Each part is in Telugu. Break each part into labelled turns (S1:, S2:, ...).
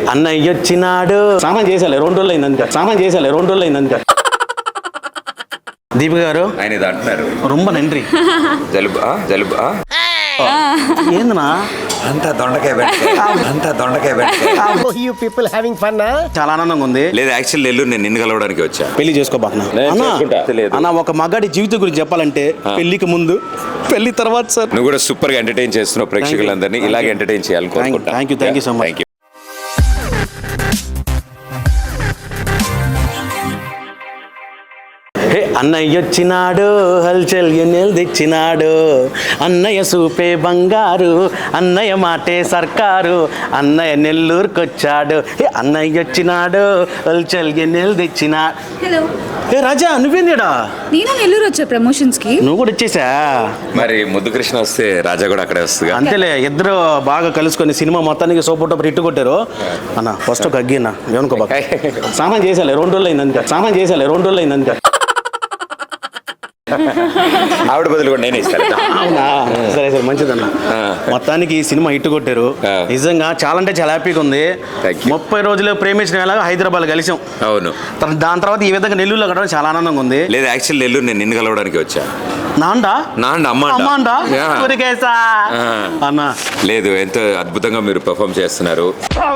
S1: అన్నయ్య వచ్చినాడు. సామాన్ చేసాలే 2 రోజులు అయింది అంతే. దీపిక గారు
S2: ఆయన ఇది అంటున్నారు.
S1: రొంబ నండ్రి.
S2: జలుబు
S1: ఏందనా
S2: అంతా దొండకాయ
S3: You people having fun, huh?
S1: చాలా ఆనందంగా ఉంది.
S2: లేదు, యాక్చువల్ నెల్లూరు నేను నిన్ను కలవడానికి వచ్చా.
S1: పెళ్లి చేసుకోబాకనా అన్న. ఒక మగాడి జీవితం గురించి చెప్పాలంటే పెళ్లికి ముందు, పెళ్లి తర్వాత సార్.
S2: నువ్వు కూడా సూపర్ గా ఎంటర్టైన్ చేస్తున్నావు ప్రేక్షకులందరినీ. ఇలాగే ఎంటర్టైన్ చేయాలని కోరుకుంటా.
S1: Thank you so much. అన్నయ్య వచ్చినాడు, హల్చల్ ఎన్నెల్ తెచ్చినాడు. అన్నయ్య సూపే బంగారు, అన్నయ్య మాటే సర్కారు, అన్నయ్య నెల్లూరుకొచ్చాడు. అన్నయ్య వచ్చినాడు, హల్చల్ ఎన్నెల్ తెచ్చినాడు.
S4: హలో
S1: రాజా, నువ్వేందిడా?
S4: నేను నెల్లూరు వచ్చా ప్రమోషన్స్ కి.
S1: నువ్వు కూడా వచ్చేసా?
S2: మరి ముద్దు కృష్ణ వస్తే రాజా కూడా అక్కడే వస్తుంది.
S1: అంతేలే, ఇద్దరు బాగా కలుసుకొని సినిమా మొత్తానికి సూపర్ టూపర్ హిట్ కొట్టారు అన్న. ఫస్ట్ ఒక అగ్గినా ఏమనుకో బాగా. సామాన్ చేసాలే 2 రోజులు అయింది అంతే.
S2: ఆవిడ బదులు కూడా నేనే ఇస్తాను.
S1: అవునా? సరే మంచిదన్న. మొత్తానికి ఈ సినిమా హిట్ కొట్టారు. నిజంగా చాలా అంటే చాలా హ్యాపీగా ఉంది. 30 రోజులు ప్రేమించిన వేళ హైదరాబాద్ కలిసాం.
S2: అవును.
S1: దాని తర్వాత ఈ విధంగా నెల్లూరులో కట్టడం చాలా ఆనందంగా ఉంది.
S2: లేదు, యాక్చువల్ నెల్లూరు నేను నిన్ను కలవడానికి వచ్చా.
S1: అమ్మాండా అన్న.
S2: లేదు, ఎంతో అద్భుతంగా మీరు పెర్ఫామ్ చేస్తున్నారు.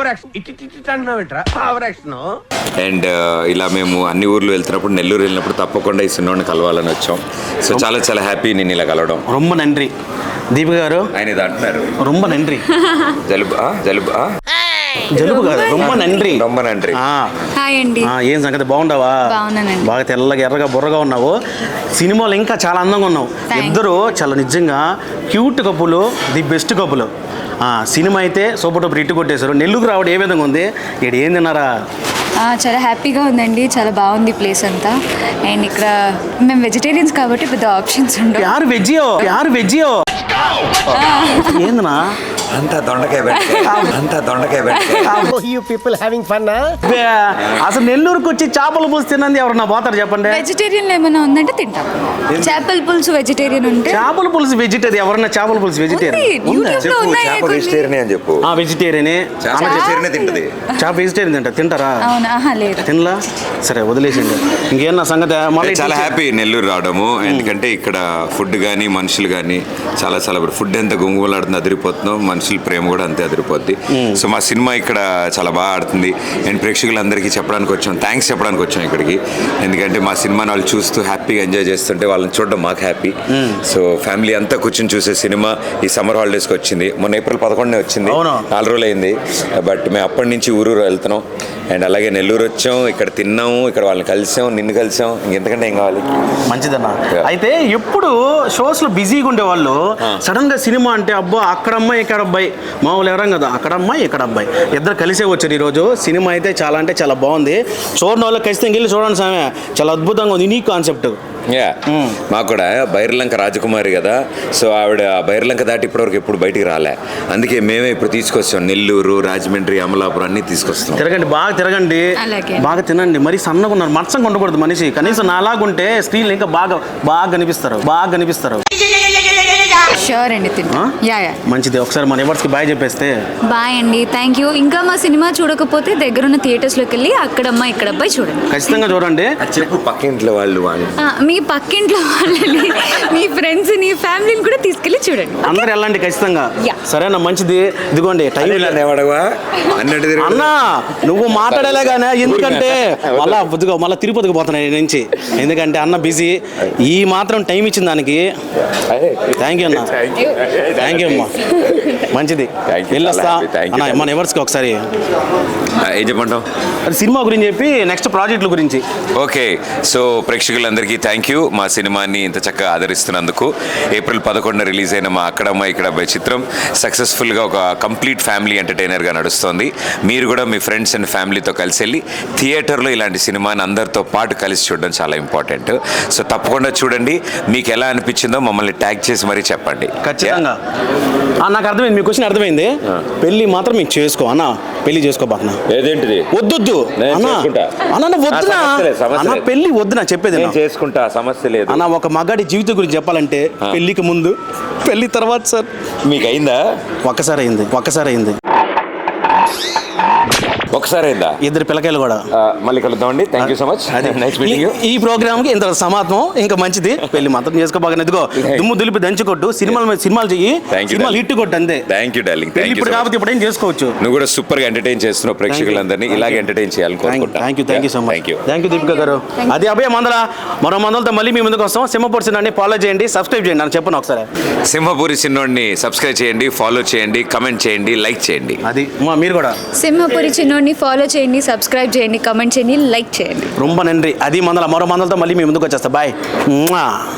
S2: అండ్ ఇలా మేము అన్ని ఊర్లు వెళ్తున్నప్పుడు, నెల్లూరు వెళ్ళినప్పుడు తప్పకుండా ఈ సినిమాని కలవాలని వచ్చాం. సో చాలా చాలా హ్యాపీ నేను ఇలా కలవడం.
S1: రొంబ నండ్రి. దీపిక గారు
S2: ఆయన ఇది అంటున్నారు.
S1: రొంబ నండ్రి. జలుబు కాదు, రొంబ నండ్రి.
S4: హాయ్ అండి.
S1: ఏం సంగతి, బాగుండవా?
S4: బాగున్నానండి.
S1: బాగా తెల్లగా ఎర్రగా బుర్రగా ఉన్నావు. సినిమాలో ఇంకా చాలా అందంగా ఉన్నావు. ఇద్దరు చాలా నిజంగా క్యూట్ కప్పులు, ది బెస్ట్ కప్పులు. సినిమా అయితే సూపర్ టూపర్ హిట్ కొట్టేశారు. నెల్లూరు రావడం ఏ విధంగా ఉంది? ఇక్కడ ఏం తిన్నారా?
S4: చాలా హ్యాపీగా ఉందండి. చాలా బాగుంది ప్లేస్ అంతా. అండ్ ఇక్కడ మేము వెజిటేరియన్స్ కాబట్టి పెద్ద ఆప్షన్స్ ఉండవు.
S1: యారు వెజ్జియో ఏందనా
S2: అంతా దొండకాయ
S3: You people having fun, huh?
S1: అసలు నెల్లూరుకి వచ్చి చేపల పులుసు తిన్నది ఎవరన్నా పోతారు చెప్పండి?
S4: వెజిటేరియన్ ఏమైనా ఉందంటే తింటాం. చేపల పులుసు వెజిటేరియన్ ఉంటే.
S1: చేపల పులుసు వెజిటేరియన్ ఎవరన్నా? చేపల పులుసు వెజిటేరియన్
S2: అని చెప్పు.
S1: వెజిటేరియనే. చేప వెజిటేరియన్ తింటారా?
S4: లేదు,
S1: తినలా? సరే వదిలేసింది. ఇంకేమన్నా సంగతి?
S2: చాలా హ్యాపీ నెల్లూరు రావడము. ఎందుకంటే ఇక్కడ ఫుడ్ కానీ మనుషులు కానీ చాలా చాలా ఫుడ్ ఎంత గుంగులాడుతుంది, అదిరిపోతున్నాం. మనుషుల ప్రేమ కూడా అంతే అదిరిపోద్ది. సో మా సినిమా ఇక్కడ చాలా బాగా ఆడుతుంది. అండ్ ప్రేక్షకులందరికీ చెప్పడానికి వచ్చాం, థ్యాంక్స్ చెప్పడానికి వచ్చాం ఇక్కడికి. ఎందుకంటే మా సినిమాని వాళ్ళు చూస్తూ హ్యాపీగా ఎంజాయ్ చేస్తుంటే వాళ్ళని చూడడం మాకు హ్యాపీ. సో ఫ్యామిలీ అంతా కూర్చొని చూసే సినిమా ఈ సమ్మర్ హాలిడేస్కి వచ్చింది. మొన్న ఏప్రిల్ 11 వచ్చింది, 4 రోజులు అయింది. బట్ మేము అప్పటి నుంచి ఊరు వెళ్తున్నాం. అండ్ అలాగే నెల్లూరు వచ్చాం, ఇక్కడ తిన్నాము, ఇక్కడ వాళ్ళని కలిసాం, నిన్ను కలిసాం. ఇంకెంతకంటే ఏం కావాలి?
S1: మంచిదన్న. అయితే ఎప్పుడు షోస్ లో బిజీగా ఉండేవాళ్ళు సడన్ గా సినిమా అంటే అబ్బా అక్కడ అమ్మాయి ఇక్కడ అబ్బాయి, మామూలు ఎవరం కదా, అక్కడ అమ్మాయి ఇక్కడ అబ్బాయి ఇద్దరు కలిసే వచ్చారు ఈరోజు. సినిమా అయితే చాలా అంటే చాలా బాగుంది. చూడని వాళ్ళు ఖచ్చితంగా వెళ్ళి చూడండి సామె. చాలా అద్భుతంగా ఉంది, యూనిక్ కాన్సెప్ట్.
S2: మాకు కూడా బైర్లంక రాజకుమారి కదా, సో ఆవిడ బైర్లంక దాటి ఇప్పటివరకు ఎప్పుడు బయటికి రాలే. అందుకే మేమే ఇప్పుడు తీసుకొస్తాం. నెల్లూరు, రాజమండ్రి, అమలాపురం అన్ని తీసుకొస్తాం.
S1: తిరగండి, బాగా తిరగండి, బాగా తినండి. మరి సన్నగా ఉన్నారు, మత్సంగా ఉండకూడదు మనిషి. కనీసం నాలాగుంటే స్క్రీన్లు ఇంకా బాగా కనిపిస్తారు.
S4: షూర్ అండి, తింటా.
S1: మంచిది. ఒకసారి మన ఎవర్స్కి బాయ్ చెప్పేస్తే.
S4: బాయ్ అండి, థ్యాంక్ యూ. ఇంకా మా సినిమా చూడకపోతే దగ్గరున్న థియేటర్స్లోకి వెళ్ళి అక్కడమ్మ ఇక్కడ అబ్బాయి చూడండి,
S1: ఖచ్చితంగా చూడండి.
S2: చెప్పు పక్కింట్లో వాళ్ళు
S4: మీ పక్కింట్లో వాళ్ళని, మీ ఫ్రెండ్స్, నీ ఫ్యామిలీని కూడా తీసుకెళ్ళి చూడండి.
S1: అందరు వెళ్ళండి ఖచ్చితంగా. సరేనా? మంచిది. ఇదిగోండి టైం అన్నా, నువ్వు మాట్లాడేలాగానే. ఎందుకంటే మళ్ళీ తిరుపతికి పోతున్నాయి నుంచి. ఎందుకంటే అన్న బిజీ. ఈ మాత్రం టైం ఇచ్చిన దానికి థ్యాంక్ యూ అన్న. థ్యాంక్ యూ అమ్మా. మంచిది, వెళ్ళొస్తా అన్న. మన ఎవర్స్కి ఒకసారి
S2: ఏం చెప్పంటావు?
S1: సినిమా గురించి చెప్పి నెక్స్ట్ ప్రాజెక్టుల గురించి.
S2: ఓకే, సో ప్రేక్షకులందరికీ థ్యాంక్ యూ. మా సినిమాని ఇంత చక్కగా ఆదరిస్తున్నందుకు. ఏప్రిల్ 11 రిలీజ్ అయిన మా అక్కడమ్మ ఇక్కడ అబ్బాయి చిత్రం సక్సెస్ఫుల్గా ఒక కంప్లీట్ ఫ్యామిలీ ఎంటర్టైనర్గా నడుస్తుంది. మీరు కూడా మీ ఫ్రెండ్స్ అండ్ ఫ్యామిలీతో కలిసి వెళ్ళి థియేటర్లో ఇలాంటి సినిమాని అందరితో పాటు కలిసి చూడడం చాలా ఇంపార్టెంట్. సో తప్పకుండా చూడండి. మీకు ఎలా అనిపించిందో మమ్మల్ని ట్యాగ్ చేసి మరీ చెప్పండి.
S1: ఖచ్చితంగా. నాకు అర్థమైంది, మీ క్వశ్చన్ అర్థమైంది. పెళ్లి మాత్రం మీకు చేసుకో అన్న, పెళ్లి చేసుకోబాకనా?
S2: ఏదేంటిది?
S1: వద్దు అన్న, వద్దునా పెళ్లి వద్దునా చెప్పేది.
S2: చేసుకుంటా, సమస్య లేదు
S1: అన్న. ఒక మగాడి జీవితం గురించి చెప్పాలంటే పెళ్లికి ముందు, పెళ్లి తర్వాత సార్.
S2: మీకు అయిందా?
S1: ఒక్కసారి అయింది.
S2: ఒకసారి అయిందా
S1: ఇద్దరు పిల్లకాయలు కూడా.
S2: మళ్ళీ కలుద్దామండి. Thank you so much. Nice meeting you.
S1: ఈ ప్రోగ్రామ్ కి ఇంత సమాత్మం ఇంకా మంచిది. పెళ్లి మాత్రం చేసుకోబాగా ఎదుగో దుమ్ము దులిపి దంచి కొట్టు. సినిమాలు చెయ్యి, సినిమాలు హిట్ కొట్టు అంతే.
S2: Thank you darling.
S1: పెళ్లి ఇప్పుడు కాబట్టి ఇప్పుడు ఏం చేసుకోవచ్చు.
S2: నువ్వు కూడా సూపర్ గా ఎంటర్టైన్ చేస్తున్నావు ప్రేక్షకులందరినీ. ఇలాగే ఎంటర్టైన్ చేయాలని కోరుకుంటా.
S1: Thank you so much.
S2: Thank you
S1: Deepika garu. అది అభయ మందల మరో మందలతో మళ్ళీ మీ ముందుకు వస్తాం. సింహపూర్ సినిమాని ఫాలో చేయండి, సబ్స్క్రైబ్ చేయండి అని చెప్పను ఒకసారి.
S2: సింహపూరి సిన్నోడిని సబ్స్క్రైబ్ చేయండి, ఫాలో చేయండి, కమెంట్ చేయండి, లైక్ చేయండి.
S1: అది మీరు కూడా
S4: సింహపురి చిన్నోడిని ఫాలో చేయండి, సబ్స్క్రైబ్ చేయండి, కమెంట్ చేయండి, లైక్ చేయండి.
S1: రొంబ నండ్రి. అది మరో మందలతో మళ్ళీ మీ ముందుకు వచ్చేస్తా. బాయ్.